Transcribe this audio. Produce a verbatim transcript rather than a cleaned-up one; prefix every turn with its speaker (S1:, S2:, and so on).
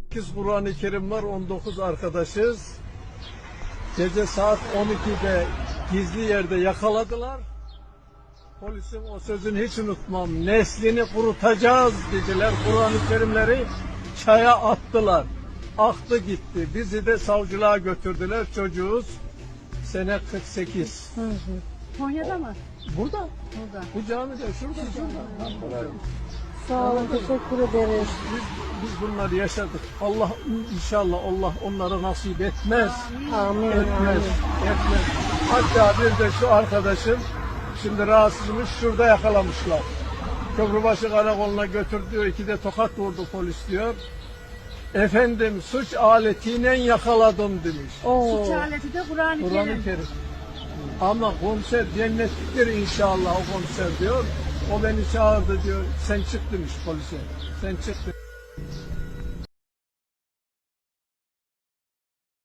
S1: sekiz Kur'an-ı Kerim var, on dokuz arkadaşız. Gece saat on ikide gizli yerde yakaladılar. Polisin o sözünü hiç unutmam. Neslini kurutacağız dediler. Kur'an-ı Kerimleri çaya attılar. Aktı gitti. Bizi de savcılığa götürdüler. Çocuğuz. Sene kırk sekiz.
S2: Hı hı. Konya'da mı?
S1: Burada.
S2: Burada.
S1: Bu camide şurada şurada.
S2: Sağ olun, teşekkür ederiz.
S1: Biz, biz bunları yaşadık. Allah inşallah Allah onlara nasip etmez.
S2: Amin.
S1: Etmez.
S2: Amin.
S1: Etmez. Hatta bir de şu arkadaşım şimdi rahatsızmış, şurada yakalamışlar. Köprübaşı Karakolu'na götürdü, iki de tokat vurdu polis diyor. Efendim suç aletiyle yakaladım demiş.
S2: Oo.
S3: Suç aleti de Kur'an-ı
S1: Kur'an-ı
S3: Kerim.
S1: Kerim. Ama komiser cennetliktir inşallah o komiser diyor. O beni çağırdı diyor. Sen çık demiş polise. Sen çık demiş.